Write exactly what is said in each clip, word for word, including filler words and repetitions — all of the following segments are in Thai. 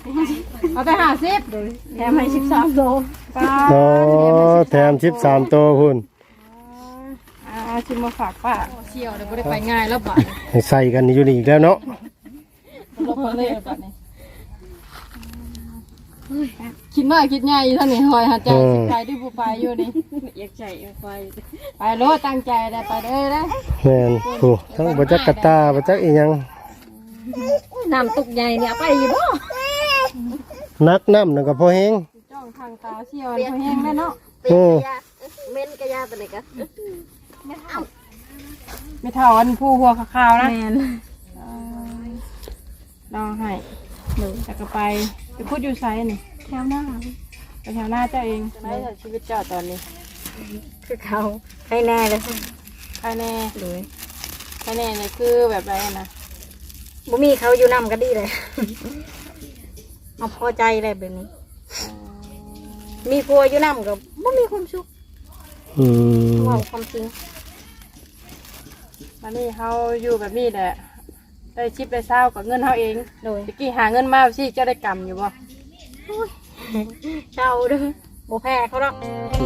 เอาไปห้าสิบแถมให้สิบสามโลป้าโอ้แถมสิบสามตัวพุ่นเอาชิมมาฝากป้าเชี่ยวเดี๋ยวไม่ได้ไปง่ายแล้วบ่ใส่กันอยู่นี่อีกแล้วเนาะลบมาเลยบ่นี่คิดน้อยคิดใหญ่อยู่ท่านนี่หอยหาใจสิไปที่ผู้ไปอยู่นี่อยากใจไปไปโลตั้งใจได้ไปเด้อได้แม่นโอ้ทั้งบ่จักกะตาบ่จักอีหยังน้ำตุกใหญ่เนี่ยไปอยู่บ่นักน้ำนั่นก็พอแฮงจ้องทางตาเชี่ยวพอแห้งได้เนาะโอ้เม้นกระยาตัวไหนกันไม่เท่าอันผู้หัวขาวๆนะลองให้หนูจะก็ไปไปพูดอยู่ไซนี่แถวหน้าไปแถวหน้าเจ้าเองไม่ใช่ชีวิตเจ้าตอนนี้คือเขาให้แน่เลยใครแน่เลยใครแน่เนี่ยคือแบบไรนะบ่มีเขาอยู่นำก็ดีเลยเอาพอใจเลยแบบนี้ มีพัวอยู่นำก็บ่มีความสุขอืมว่าความจริงวันนี้เขาอยู่แบบนี้แหละได้ชิปได้เศร้ากับเงินเขาเองโดยตะกี้หาเงินมาสิเจ้าได้กำอยู่บ่เจ้าเด้อบ่แพ้เขาหรอก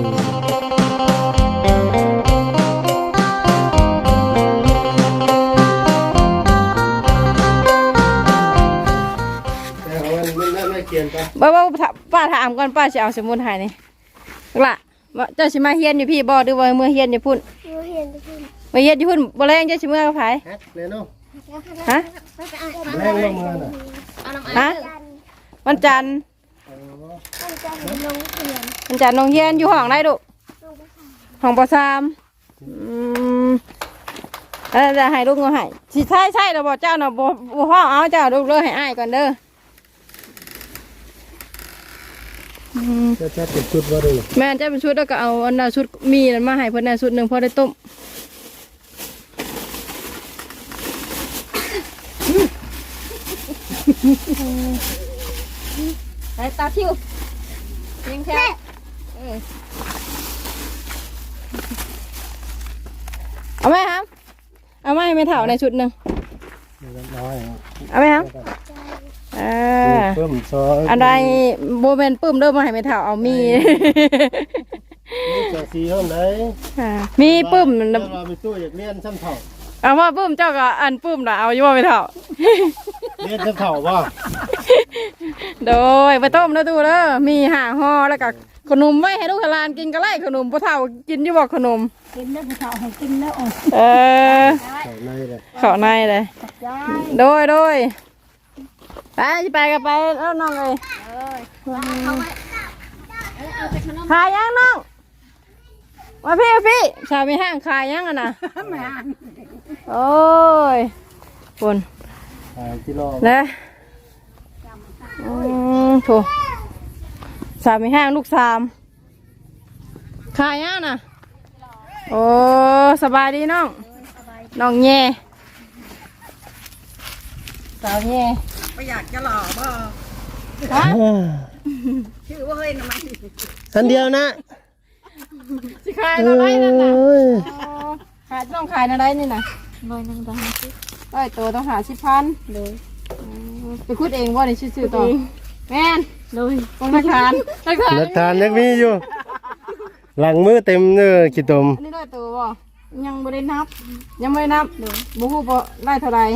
แต่ว่ามันน่าไม่เกียนไปบ่บ่ป้าถามก่อนป้าจะเอาสมุนไพรนี่ละว่าเจ้าสิมาเฮียนอยู่พี่บ่หรือว่าเมื่อเฮียนอยู่พุ่นเมื่อเฮียนอยู่พุ่นเมื่อเฮียนอยู่พุ่นบ่แรงเจ้าสิเมื่อกับไผแฮกเลยเนาะฮะแรงลงมาน่ะฮะวันจันทร์วันจันทร์น้องเฮียนอยู่ห้องไหนดุห้องปสามอืมเออจะให้ลูกเงาให้สิใช่ใช่เราบอกเจ้าเนาะบ่บ่ห้องเอาเจ้าลูกเลยให้อ้ายก่อนเด้ออืมจะจะเป็นชุดว่าดูแม่นเจ้าเป็นชุดแล้วก็เอาอันน่ะชุดมีนั่นมาให้เพิ่นน่ะชุดหนึงพอได้ต้มไอ้ตาทิวยิงแค่เอาไหมครับเอาไหมไม่เท่าในชุดหนึ่งน้อยเอาไหมครับอ่าเพิ่มซอยอะไรโบเมนปื้มเริ่มมาให้ไม่เท่าเอามีนี่จะสีเท่าไหนอ่ามีปื้มเราไปตู้อยากเลี้ยนซ้ำเถ่าเอาว่าปื้มเจ้าก็อันปื้มน่ะเอาอยู่ว่าไม่เท่าเลี้ยนซ้ำเถ่าว่าโดยไปต้มแล้วดูเด้อมีห่าห่อแล้วก็ขนมไว้ให้ลูกหลานกินก็ไล่ขนมพ่อเฒ่ากินอยู่บอกขนมกินแล้วผู้สาวให้กินแล้วอ่อนเออเถ่าในเลยเข้าในเลยโดยโดยไปไปกันไปแล้วน้องเลยขายยังน้องมาพี่พี่ชาวมีห้างขายยังอ่ะนะโอ้ยปุ่นกิโลนะอืมโถสามมีห้างลูกสามขายยังน่ะโอ้สบายดีน้องน้องแย่สาวแย่ไม่อยากจะหล่อบ่ฮะชื่อว่าเฮ้ยทำไมอันเดียวนะสิขายอะไรนั่นน่ะขายต้องขายอะไรนี่น่ะน้อยนั่งตาสิได้ตัวต้องหาสิบพันเลยไปคุดเองว่าในชื่อต่อแม่นเลยตรงหลักฐานหลักฐานหลักฐานยังมีอยู่ หลังมือเต็มเนื้อขี้ตมอันนี้ได้ตัวบ่ยังไม่ได้นับ ยังไม่ได้นับบุหูบ่ได้เท่าไร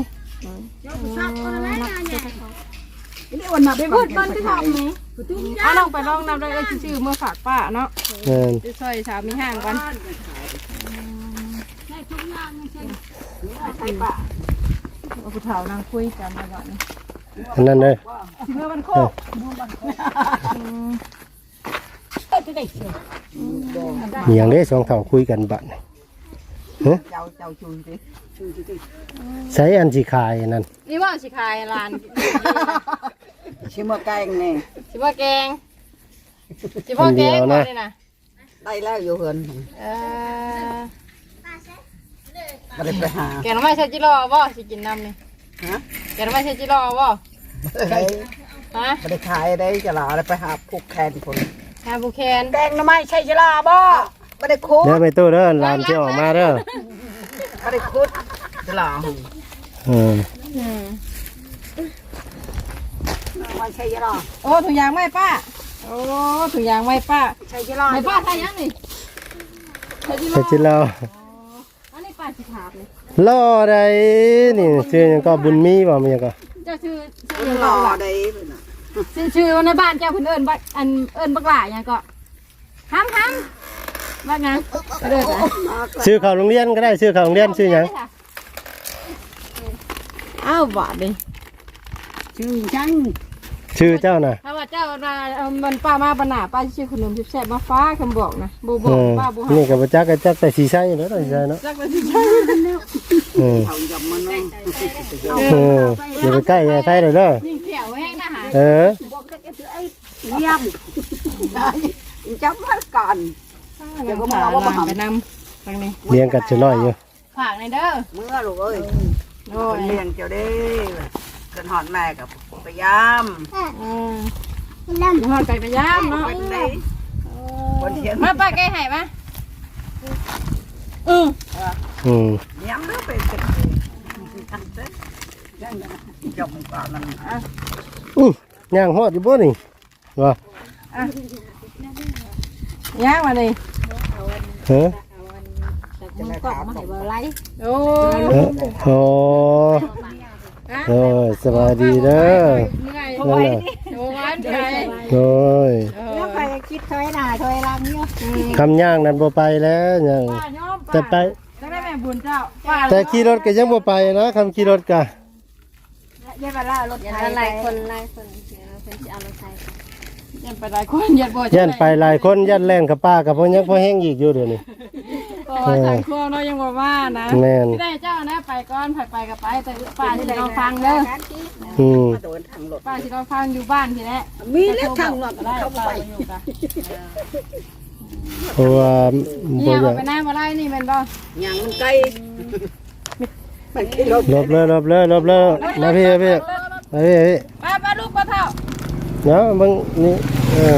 นี่วันนับไปพูดบ้านที่ทำนี้อ่ะลองไปลองนับได้ก็ชื่อเมื่อฝากป้าเนาะแม่นจะซอยสามีห่างกันใช่ป้าเอาผู้เฒ่านางคุยกันมาก่อนอันนั้นเลยเมื่อมันโคกมีอย่างนี้สองเถ่าคุยกันบัดฮะเจ้าเจ้าชุนสิใช้อันสีขายนั่นนี่ว่าสิขายร้านชิมว่าแกงนี่สิว่าแกงสิว่าแกงก่อนเลยนะได้แล้วอยู่เฮือนเออไม่ได้ไปหาแกงน้ำไม้ใช่จิโร่บ่สิกินน้ำนี่ฮะแกงน้ำไม้ใช่จิโร่บ่ได้ฮะไม่ได้ขายได้จะหล่อได้ไปหาผูกแขนคนฮาบุแคนแกงทำไมใช่จะหล่อบ่ไม่ได้คุดเดี๋ยวไปตู้เด้อลานที่ออกมาเด้อไม่ได้คุดจะหล่อเอออืมว่าใช่ยรอโอ้ถุงยางไหมป้าโอ้ถุงยางไหมป้าใช่ยรอไหมป้าใช่ยังนี่ใช่จิไปจิรออันนี้ป้าสิถามเลยรอได้นี่ชื่อหยังก็บุญมีบ่มีหยังก็เจ้าชื่อชื่อยังรก็อล่ะได้ชื่อชื่อในบ้านเจ้าเพิ่นเอิ้นบักอันเอิ้นบักหล่าหยังก็ห้ำห้ำบักหยังเอิ้นอะชื่อเข้าโรงเรียนก็ได้ชื่อเข้าโรงเรียนชื่อหยังอ้าวบาดดิชื่อจังชื่อเจ้าน่ะถ้าว่าเจ้าน่ะเอามันป้ามาปัญหาป้าสิชื่อขนมแซ่บๆมาฟ้าคำบอกนะบ่บเออกอป้าบ่ให้นี่ก็บ่จักก็จักแต่สีใสเนาะสีใสเนาะจักว่าสิใช่เออเขาจับมันเนาะเอออย่าไปใกล้อย่าใกล้เลยเด้อยิ่งเขียวแห้งนะฮะเออเยี่ยมจับมันก่อนเดี๋ยวก็มาเอาว่าไปนำทางนี้เลี้ยงกัดจะน้อยอยู่ฝากในอยเด้อเมื่อลูกเอ้ยโอ้ยเลี้ยงเจ้าเด้เกินหอดแม่กับพยายามอืมน้ำหอดไก่กระยามเนาะเป็นได้คนเขียนมาป้าแกให้มาอืออืมย้ำเด้อไปเป็นจบก่อนมันอื้อย่างฮอดอยู่บ่นี่ว่าย่างมาดิเฮ้อจะได้ถามผมโอ้เอ้อโอ้โอ้ยสบายดีเด้อเมื่อยนั่นน่ะโอ้ยใจโอ้ยแล้วไปคิดถอยหน้าถอยหลังเนาะคำย่างนั้นบ่ไปแล้วย่างป้าย้อมแต่ไปจะได้แม่บุญเจ้าป้าแต่ขี่รถก็ยังบ่ไปนะคำขี่รถก็เยี่ยมละรถไทยหลายคนหลายคนเสียเพิ่นสิเอารถไถยันไปหลายคนยันบ่ย่านไปหลายคนย่านแล่นกับป้ากับพ่อยังพ่อแห้งอีกอยู่เดี๋ยวนี้ก็ว่าทางครัวเนาะยังบ่ว่านะแม่นที่ได้เจ้านะไปก่อนไปไปก็ไปแต่ป้าสิลองฟังเด้ออืมโดนทางรถป้าสิลองฟังอยู่บ้านทีแรกมีเล็กทางรถได้เข้าป้าไปอยู่กันเพราะว่าเนี่บ่ยอยาเอากไปหน้ามาไล่นี่แม่นบ่ยังมันไกลมันขี่รถหลบเลยหลบเลยหลบเลยมาพี่มาพี่มาพี่มาพี่ป้าป้าลูกป้าเท่าเนาะมึงนี่เออ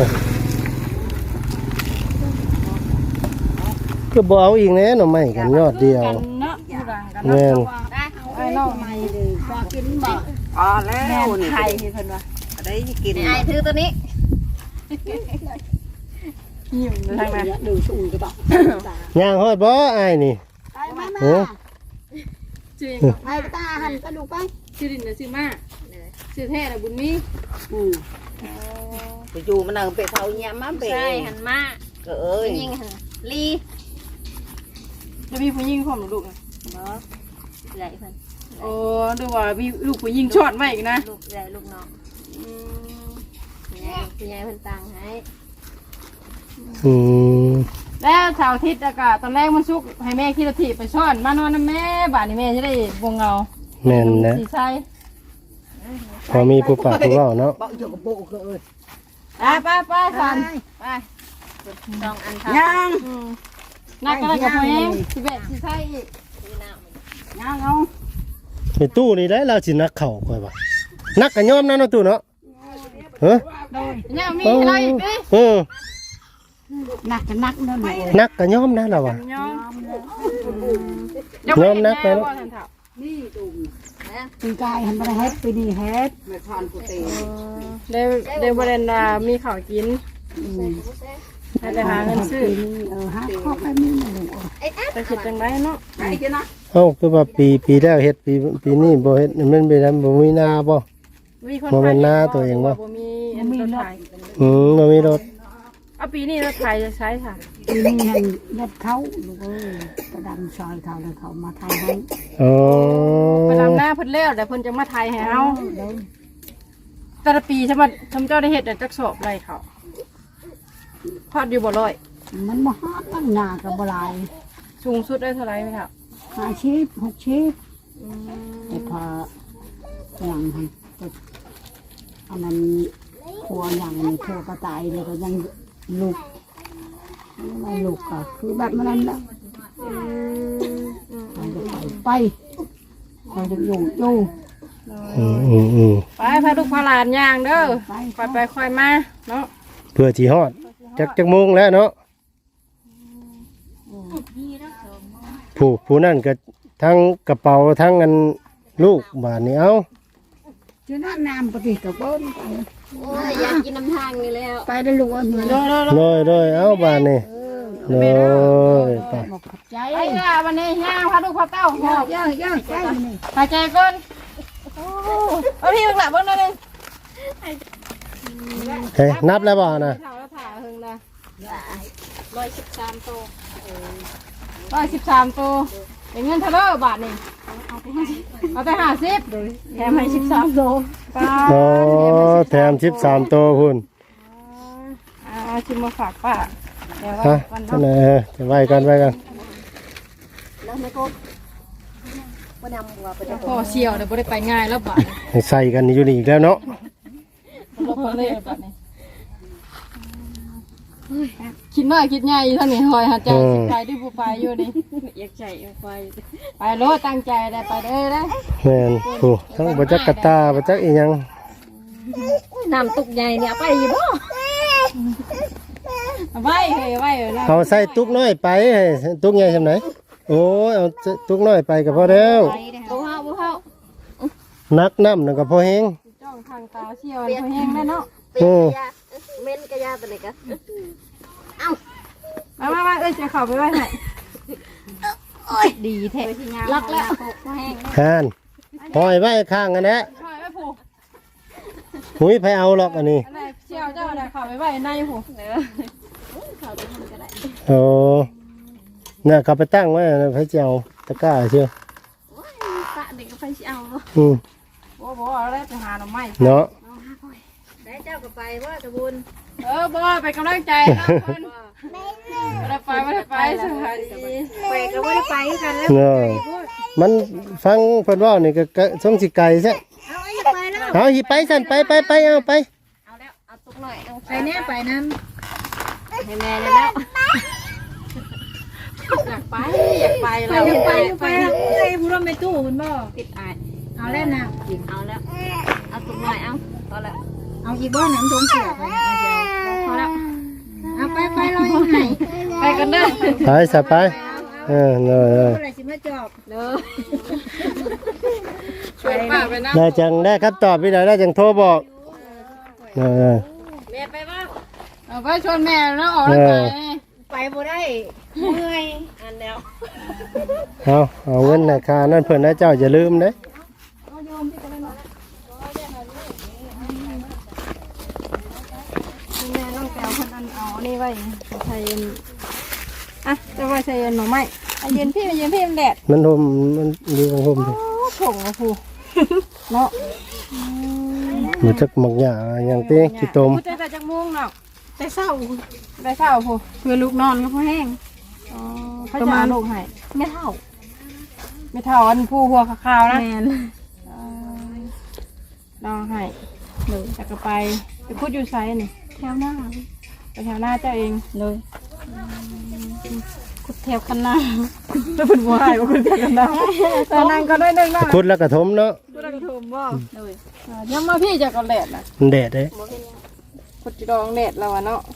ก็บ่เอาอีกแน่หน่อไม้กันยอดเดียวกันเนาะอยู่หลังกันแม่นไอ้น้องก็กินบ่พอแล้วนี่ไข่ที่เพิ่นว่าได้กินไอ้ถือตัวนี้หิวทางนั้นดูชุ่มก็ต้องย่างฮอดบ่อ้ายนี่ไปมาโอ้ชื่อไปตาหันกระดูกไปชื่อดินน่ะชื่อมาชื่อแท้น่ะบุญมีอืมไปอยู่มันเอาไปเขาเงี้ยมาไปใช่หันมาก็เอ้ยยิงหันลีจะมีผู้หญิงพร้อมลูกนะบ่ใหญ่เพิ่นโอ้ดูว่ามีลูกผู้หญิงช็อตไว้อีกนะลูกใหญ่ลูกน้องผู้ใหญ่ผู้ใหญ่เพิ่นตังให้อืมแล้วเสาร์อาทิตย์อากาศตอนแรกมันชุกให้แม่ขี่รถถีบไปช่อนมานอนนะแม่บ้านนี่แม่จะได้วงเงาแม่นนะสีใช่พอมีผู้ปากผู้เว้าเนาะบอกอยู่กับปู่ก็เอ้ยไปไปไปสันไปต้องอันทายังอืมนักก็ได้กับพ่อเองสิเบ็ดสีใช่อีกซื้อน้ำยังเอาในตู้นี่ได้เราสินักเข้าค่อยว่านักก็ยอมนะเนาะตู้เนาะเฮ้อเนี่ยมีอะไรอีกดิเออหนักจะนักนั่นเลยนักก็ยอมนะเราว่ายอมยอมนักไปเนาะนี่ดูปีกายหันไปเฮ็ดปีนี้เฮ็ดไม่ทานกูตีเดี๋ยวเดี๋ยวประเด็นน่ะมีข้าวกินให้ไปหาเงินซื้อเออฮะข้อไปมีหนึ่งไปคิดจังไรเนาะไอ้เจ้านะเอ้าคือว่าปีปีแล้วเฮ็ดปีปีนี้บ่เฮ็ดมันเป็นอันบ่มีนาบ่มีคนบ่แม่นหน้าตัวเองวะบ่มีอันรถไถอืมบ่มีรถเอาปีนี้รถไถจะใช้ค่ะปีนี้ให้ยัดเขาลูกเอ้ยกระดำซอยเขาเลยเขามาทายให้อ๋อไปทำหน้าเพิ่นแล้วแต่เพิ่นจะมาไทยให้เฮาแต่ละปีใช่ไหมทำเจ้าได้เฮ็ดแต่จักสอบไรเขาพอดอยู่บ่ร้อยมันมาฮอดตั้งหน้ากับบลายสูงสุดได้เท่าไหร่ไหมครับห้าชิปหกชิปแต่พออย่างนั้นอันนั้นครัวอย่างนี้ครัวกระต่ายเลยก็ยังลูกไม่ลูกก็คือแบบนั้นแหละมันจะไปไปมันจะอยู่อยู่อืมอืมอืมไปพาลูกพาหลานย่างเด้อค่อยไปค่อยมาเนาะเพื่อสิฮอดจักจักโมงแล้วเนาะผู้ผู้นั่นก็ทั้งกระเป๋าทั้งอันลูกบาดนี้เอ้าจะน่าน้ำปฏิกับเบิ้ลโอ้ยอยากกินน้ำทางนี่แล้วไปได้รู้ว่าเหมือนโดยโดยเอาบานนี่โดยไปบอกขอบใจไปค่ะวันนี้ย่างพาลูกพาเต้าย่างย่างย่างใจนี่หายใจก่อนโอ้เอาพี่เบิ่งหลับเบิ่งหน่อยหนึงเฮ้ยนับแล้วบ่นะเท่าแล้วผ่าหึงนะร้อยสิบสามโตร้อยสิบสามตัวเป็นเงินเท่าไหร่บาทนี่เอาไปห้าสิบแถมให้สิบสามตัวป้าโอ้แถมสิบสามตัวพุ่นเอาชิมมาฝากป้าเดี๋ยวฮะวันจะเนาะไหนเออจะไว้กันไว้กันแล้วไม่กบว่านำหัวไปพ่อเชียวเดี๋ยวบ่ได้ไปง่ายแล้วบาทให้ใส่กันอยู่นี่อีกแล้วเนาะลบเลยบาทนี่คิดน้อยคิดใหญ่อยู่เท่านี้หอยหัดใจสิไปด้วยผู้ไปอยู่นี่อยากใจอยากไปไปโลดตั้งใจได้ไปเด้อได้แม่นโอ้ทั้งบัจักกะตาบัจักอีหยังน้ำตุกใหญ่เนี่ยไปอยู่บ่เอาไว้เฮ้ยไว้เออนะเอาใส่ตุกน้อยไปให้ตุกใหญ่ซำไหนโอ้ยเอาตุกน้อยไปก็พอแล้วบ่เฮาบ่เฮานักน้ำนั่นก็พอแฮงจ้องทางตาเชียวเขาแห้งได้เนาะเป็นกระยาเม้นกระยาตัวไหนกันเอ้ามามามาเอ้ยจะเข้าไปไว้ให้ดีแท้ล็อกแล้วแห้งหานปล่อยไว้ข้างกันแหละเข้าไปผูกหุยไปเอาหรอกอันนี้อันไหนเชียวเจ้าอะไรเข้าไปไว้ในผูกเนื้อเขาจะทำก็ได้โอ้เนี่ยเขาไปตั้งไว้นะพระเจ้าตะกร้าเชียวปะเด็กก็ไปเอาอืมโอ้โหเอาได้ไปหาหน่อไม้เนาะได้เจ้าก็ไปว่ากระบุญเออบ่ไปกำลังใจนะคนไม่ได้ไปไม่ได้ไปสวัสดีไปก็ไม่ได้ไปกันแล้วเนาะมันฟังเพิ่นเว่านี่ก็ก็สงสิไก่ซะเอาไอ้ไปแล้วเอาหิไปสั่นไปไปไปเอาไปเอาแล้วเอาตุกหน่อยเอาไปเนี่ยไปนั้นให้แม่เลยแล้วอยากไปอยากไปเราไปไปไปผู้ร่วมไปตู้คุณบ่ติดอายเอาแล้วนะเอาแล้วเอาตุกหน่อยเอาพอแล้วเอาอีกบ่น้ำทงเสียไปนะเดียวพอแล้วเอาไปไปรอยังไงไปกันเด้อไปสะไปเออเนอะเนอะอะไรสิมาจอบเด้อช่วยป้าไปนะได้จังได้คำตอบพี่ได้ได้จังโทรบอกเออแม่ไปบ้างเอาไปชวนแม่แล้วออกแล้วไปไปบ่ได้เมื่อยอันแล้วเอาเอาเงินนะค่านั่นเพิ่นนะเจ้าอย่าลืมเด้แม่น้องแก้วคนอันเอานี่ไว้ใส่เย็นอ่ะจะไว้ใส่เย็นหน่อไม้เอาเย็นพี่เย็นพี่มันแดดมันห่มมันอยู่ของห่มดิโอ้ผงอะพูเนาะมันจักหมักหญ้าอย่างเต้ขี้ตมพูดแต่จากม่วงเนาะแต่เศร้าได้เช้าพูเพื่อลูกนอนก็พอแห้งอ๋อเขาจะเอาลูกให้ไม่เท่าไม่เท่าอันผู้หัวขาวๆนะแมนลองให้หนูจะก็ไปไปพูดอยู่ไซนี่แถวหน้าไปแถวหน้าเจ้าเองเลยขุดแถวคันหน้าจะเป็นบัวให้ว่าขุดแถวคันหน้าแต่นั่งก็ได้หนึ่งนะพุดแล้วก็ถมเนาะขุดกระทุ่มบ่เลยยังมาพี่จะก็แดดนะมันแดดเด้ขุดจีดองแดดแล้วอะเนาะ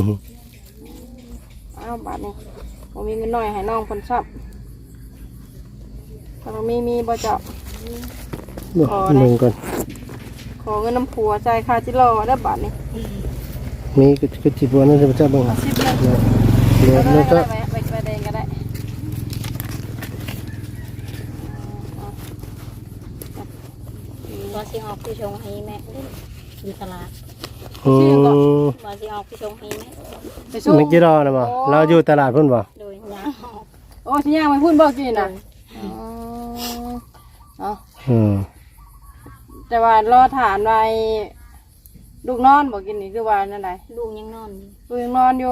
อ้าวบาทนี่ผมมีเงินหน่อยให้น้องคนชอบถ้าเรามีมีบ่เจาะ ขอเลยหนึ่งก่อนขอเงินน้ำผัวใจายค่าจิรอได้บาทนี่มีก็ก็สิบวันนั่นจะจะบังหาสิบเลยเดี๋ยวก็แล้วได้ก็ไปไปไปเดงก็ได้บอสิออกผู้ชงให้แม่อยู่ตลาดอืมบอสิออกผู้ชงให้แม่ไปสู้นึกกี่รอนะบ่เราอยู่ตลาดพุ่นบ่โดยยาออกโอ้ชิย่างไปพูดบอกกินนะอ๋ออืมแต่ว่ารอฐานไว้ลูกนอนบอกกินนี่คือว่านั่นไงลูกยังนอนอยู่ลูกยังนอนอยู่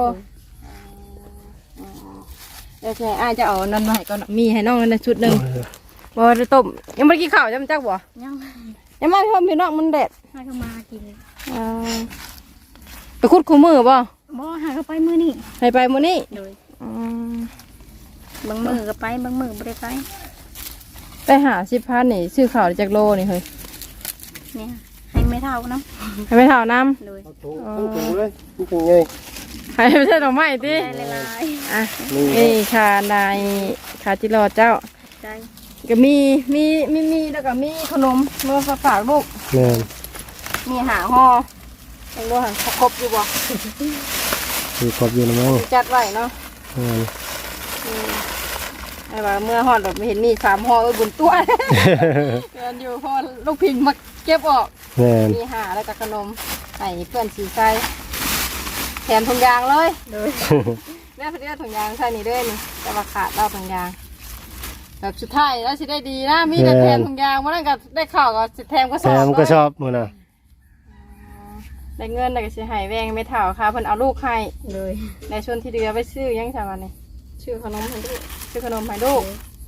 เดี๋ยวใช่อ้ายจะเอานั่นมาให้ก่อนมีให้น้องนั่นชุดหนึ่งบ่ได้ต้มยังไม่ได้กินข้าวจำจักบ่ยังยังไม่ทำพี่น้องมันแดดให้เขามากินอ่าไปคุดคู่มือบ่บ่หาเขาไปมื้อนี้ให้ไปมื้อนี้โดยอืมบางมื้อก็ไปบางมื้อบ่ได้ไปไปหาสิบพันนี่ซื้อข้าวได้จากโลนี่เฮ้ยเนี่ยให้ไม่เท่านะให้ไปเท่าน้โดยทั้งถุงเลยมันเป็นไงำให้ไม่ใช่ดอกไม้ติได้หลายอ่ะนี่ค่ะนายขาจิรอเจ้าๆใจก็มีมีมีมีแล้วก็มีขนมมาฝากลูกแม่นมีหาห่อยังดูหันครบอยู่บ่คือครบอยู่นะมั้งจัดไว้เนาะแม่นอืมไอ้ว่าเมื่อห่อดแบบไม่เห็นมีสามห่อเออบุญตัว เดินอยู่ห่อลูกพิงมาเก็บออกแม่นมีหาแล้วก็ขนมให้เพื่อนสีใส่แถมถุงยางเลยเลยแม่เพื่อนถุงยางใส่นี่ด้วยนี่แต่ว่าขาดเราถุงยางแบบสุดท้ายแล้วสิได้ดีนะมีแต่แถมถุงยางมันนั่นก็ได้ข่าวก็สิแถมก็สแซอบมก็ชอบมื้อน่ะได้เงินแต่ก็สิให้แวงไม่เท่าค่ะเพิ่นเอาลูกให้เลยในชวนที่เดือไปซื้อยังสาวันนี่ชื่อขนมให้ลูกชื่อขนมให้ลูก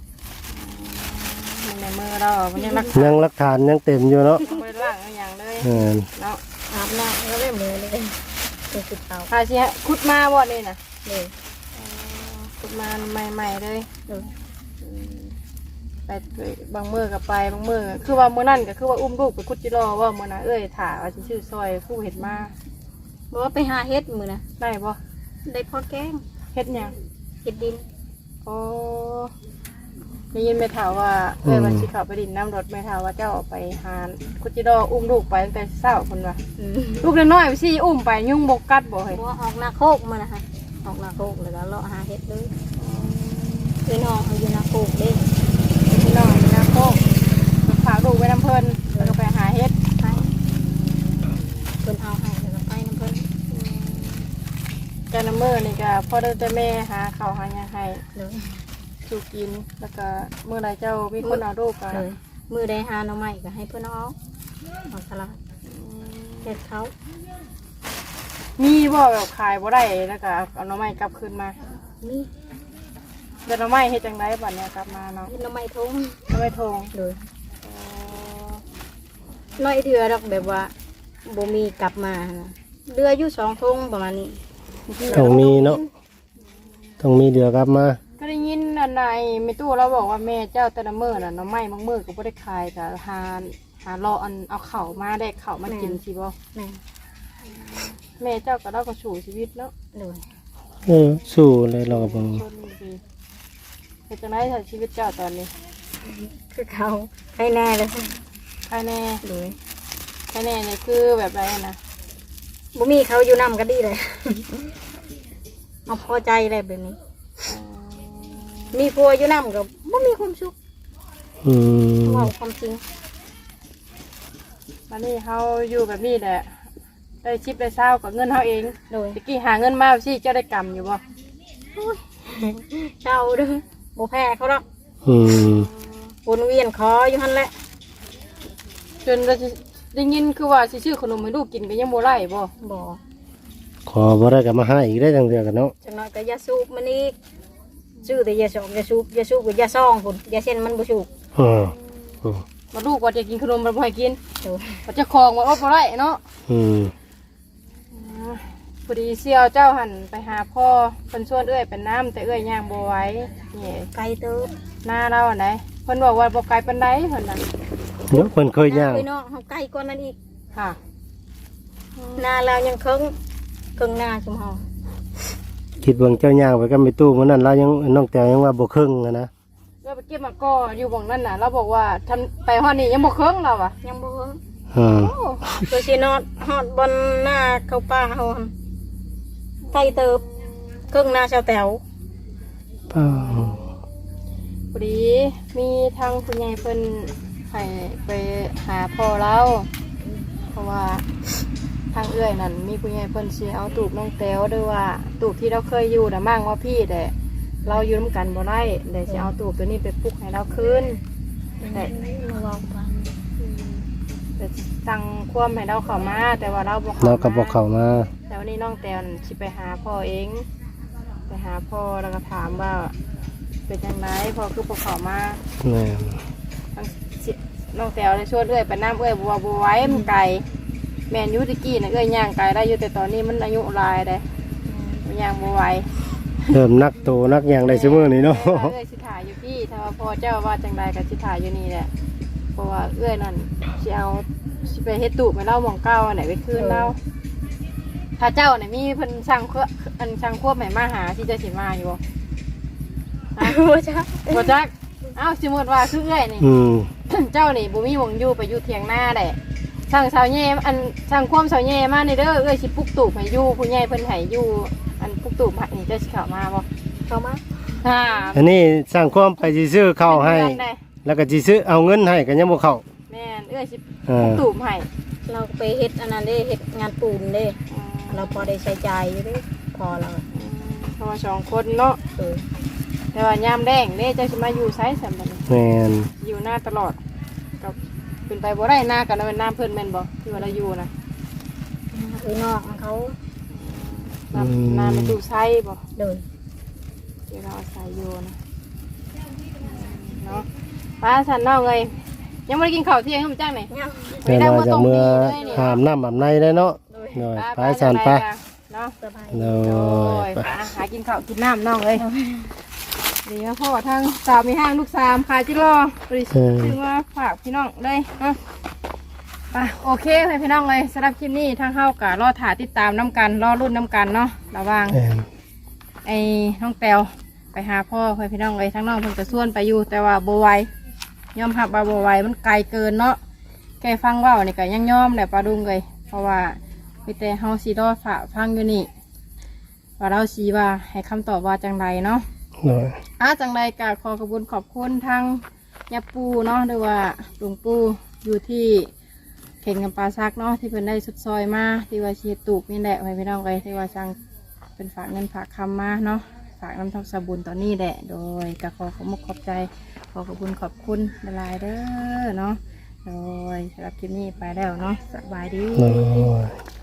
มันในมือเรามันยังรักยังหลักฐานยังเต็มอยู่เนาะไม่ได้ล่างเอาอย่างเลยแม่นเนาะอาบน้ำแล้วเริ่มเลยเลยเป็นสุดเท้าพาสิฮะขุดมาบ่นี่น่ะเลยขุดมาใหม่ๆเลยเลยไปบางมือกับไปบางมือคือว่ามื้อนั่นก็คือว่าอุ้มลูกไปคุดจิรอว่ามื้อน่ะเอ้ยถ่าว่าสิชื่อซอยผู้เห็ดมาบอกว่าไปหาเฮ็ดมือนะได้บ่ได้พอแกงเฮ็ดหยังเฮ็ดดินโอ้ได้ยินแม่ถามว่าเอ้ยวันสิเข้าไปดินน้ำรถแม่ถามว่าเจ้าไปหาคุดจิรออุ้มลูกไปตั้งแต่เช้าพุ่นว่าอืมลูกน้อยๆสิอุ้มไปยุ่งบกกัดบ่เฮ้ยบอกว่าออกนาโคกมานะคะออกนาโคกแล้วก็เลาะหาเฮ็ดเลยคือน้องเขาอยู่นาโคกเด้พี่น้องนี่นะโก้ฝากลูกไว้น้ำเพิ่นแล้วก็ไปหาเฮ็ดไปเพิ่นเอาให้แล้วก็ไปน้ำเพิ่นแกน้ำมือนี่ก็พ่อได้แต่แม่หาข้าวหาหยังให้เลยสู่กินแล้วก็เมื่อไรเจ้ามีคนเอาลูกก็เลยมือได้หาหน่อไม้ก็ให้เพิ่นเอาเอาสลัดเฮ็ดเขามีบ่แบบขายบ่ได้แล้วก็เอาหน่อไม้กลับคืนมานี่เดี๋ยวหน่อไม้เฮ็ดจังไดบัดเนี้ยกลับมาเนาะเฮ็ดหน่อไม้ทงหน่อไม้ทงเลยอ๋อน้อยเถื่อดอกแบบว่าบ่มีกลับมานะเรืออยู่สองทงประมาณนี้ต้องมีเนาะต้องมีเดือกลับมาก็ได้ยินอันใดแม่ตู้เราบอกว่าแม่เจ้าแต่ละมื้อน่ะหน่อไม้บางมื้อก็บ่ได้ขายก็หาหารออันเอาข้าวมาได้ข้าวมากินสิบ่แม่แม่เจ้าก็เราก็สู่ชีวิตเนาะเลยเออสู้เลยเราก็บ่ชนดีเป็นจังไรถ้าชีวิตเจ้าตอนนี้คือเขาให้แน่เลยภายในเลยภายในเนี่ยคือแบบไรนะบ่มีเขาอยู่นำก็ดีเลย เอาพอใจเลยแบบนี้ มีผัวอยู่นำก็บ่มีความสุขอืมเว่าความจริงวันนี้เขาอยู่แบบนี้แหละได้ชิปได้เศร้ากับเงินเขาเองเลยตะกี้หาเงินมาสิเจ้าได้กำอยู่บ่เจ้าเด้อบ่แพ้เขาหรอกอืมวนเวียนขออยู่หั่นแหละจนเราจะได้ยินคือว่าสิซื้อขนมให้ลูกกินก็ยังโบไล่บ่บ่ขอบ่ได้ก็มาหาอีกได้จังเดือกันเนาะจังน้อยก็ยาสูบมันอีกซื้อแต่ยาสองยาสูบยาสูบกับยาซองพุ่นยาเส้นมันบ่สูบอืมอืมมาลูกว่าจะกินขนมมันบ่ให้กินโดยว่าจะคลองว่าอดบ่ได้เนาะอืมพอดีเสี่ยวเจ้าหันไปหาพ่อเพิ่นชวนเอื้อยเป็นน้ำแต่เอื้อยย่างบ่ไหว้นี่ไกลเติบหน้าเราอันไหนเพิ่นบอกว่าบ่ไกลปานใดเพิ่นน่ะเดี๋ยวเพิ่นเคยย่างไปเนาะเฮาไกลกว่านั้นอีกค่ะหน้าเรายังเคิงเคิงหน้าชุมเฮาคิดเบิ่งเจ้าย่างไปก็ไม่ตู้มื้อนั้นเรายังน้องแต้วยังว่าบ่ครึ่งอะนะเราไปเก็บมาก็อยู่บ่งนั่นน่ะเราบอกว่าทันไปฮอดนี่ยังบ่เคิงเราอ่ะยังบ่เคิงอืมโอ้ตัวสินอดฮอดบนหน้าเข้าป่าเฮาหั่นไกลเติบเคิงหน้าชาวแต๋วป้าพอดีมีทางคุณยายเพิ่นให้ไปหาพ่อเราเพราะว่าทางเอื้อยนั่นมีคุณยายเพิ่นสิเอาตูบน้องแต้วด้วยว่าตูบที่เราเคยอยู่น่ะมั่งว่าพี่แต่เราอยู่ร่วมกันบ่ได้เลยสิเอาตูบตัวนี้ไปปลุกให้เราคืนแต่ระวังฟันแต่สั่งความให้เราเข้ามาแต่ว่าเราบ่เข้าเรามาก็บ่เข้ามาแต่วันนี้น้องแตนสิไปหาพ่อเอง ไปหาพ่อแล้วก็ถามว่าเป็นยังไงพ่อคือพวกเขามาแม่นทั้งสิน้องแตวเลยชวนเอื้อยไปน้ำเอื้อยบัวบัวไว้มันไก่แมนอยูตะกี้นะเอื้อยย่างไก่ได้อยู่แต่ตอนนี้มันอายุหลายเลยมันย่างบัวไหวเริ่มนักโตนักหยังได้ซุมื้อนี้เนาะเอื้อยสิถ่ายอยู่พี่ถ้าว่าพ่อเจ้าว่าจังใดกับสิถ่ายอยู่นี่แหละเพราะว่าเอื้อยนั่นสิเอาสิไปเฮ็ดตุไปเล่าหมองเก้าอันไหนไปคืนเล่าถ้าเจ้าเนี่ยมีเพิ่นช่างเครื่องอันช่างควบใหม่มาหาที่จะสิมาอยู่บ่บ่จ้ะบ่จักบเอ้าสมมติว่าคือเอื้อยนี่อืมเจ้านี่บ่มีหวงอยู่ไปอยู่เถียงหน้าได้ช่างสาวแย่อันช่างความสาวแย่มาในเด้อเอ้ยสิปลุกตูบให้อยู่ผู้ใหญ่เพิ่นให้อยู่อันปลุกตูบให้นี่เจ้าสิเข้ามาบ่เข้ามาฮ่าอันนี้สร้างความไปสิซื้อข้าวให้เป็นเดือนได้แล้วก็สิซื้อเอาเงินให้ก็ยังบ่เข้าแม่นเอ้ยสิปเอลุอกตูบให้เราไปเฮ็ดอันนั้นเด้เฮ็ดงานปูนเด้อืมเราพอได้ใช้จ่ายอยู่เด้พอเราเพราะว่าสองคนเนาะเออแต่ว่ายามแดงเด้เจ้าสิมาอยู่ไสซั่นบัดนี้แม่นอยู่หน้าตลอดกับเป็นไปบ่ได้หน้ากันแล้วเป็นน้ำเพิ่นแม่นบ่ที่ว่าเราอยู่นะคือนอกเขาน้ำน้ำมันดูไส้บ่เดินที่เราอาศัยอยู่นะเนาะป้าสันน้องเลยยังไม่ได้กินข้าวเที่ยงเขาจ้างไหนแต่ว่าจากเมื่อหามน้ำอาบในได้เนาะหน่อยไปสานไปเนาะสบายโดโอ้ยยไปป้าหากินข้าวกินน้ำน้องเลยดีนะพ่อทางสาวมีห้างลูกสามขายจิรอบริษัทถึงว่าฝากพี่น้องเลยเนาะไปโอเคเลยพี่น้องเลยสำหรับคลิปนี้ทางเข้ากับรอถ่ายติดตามน้ำกันรอรุ่นน้ำกันเนาะระวังแม่นไอ้น้องแตวไปหาพ่อไปพี่น้องเลยทั้งน้องเพิ่งจะส่วนไปอยู่แต่ว่าโบไหวยอมหับว่าโบไหวมันไกลเกินเนาะแกฟังเว่านี่ก็ยังยอมแหละปลาดุงเลยเพราะว่ามีแต่เฮาซีดอฝาฟังอยู่นี่ว่าเราซีว่าให้คำตอบว่าจังไรเนาะโดยอ่ะจังไรก็ขอกระบุญขอบคุณทางยาปูเนาะหรือว่าหลวงปู่อยู่ที่เข่งกับปลาซักเนาะที่เพิ่นได้สุดซอยมาที่ว่าชีตูกนี่แหละไปพี่น้องเลยที่ว่าจัง เป็นฝากเงินฝากคำมาเนาะฝากน้ำทองสบุนตอนนี้แหละโดยกขอขอบมุกขอบใจขอขอบคุณขอบคุณละลายเด้อเนาะโดยสำหรับคลิปนี้ไปแล้วเนาะสบายดีโดย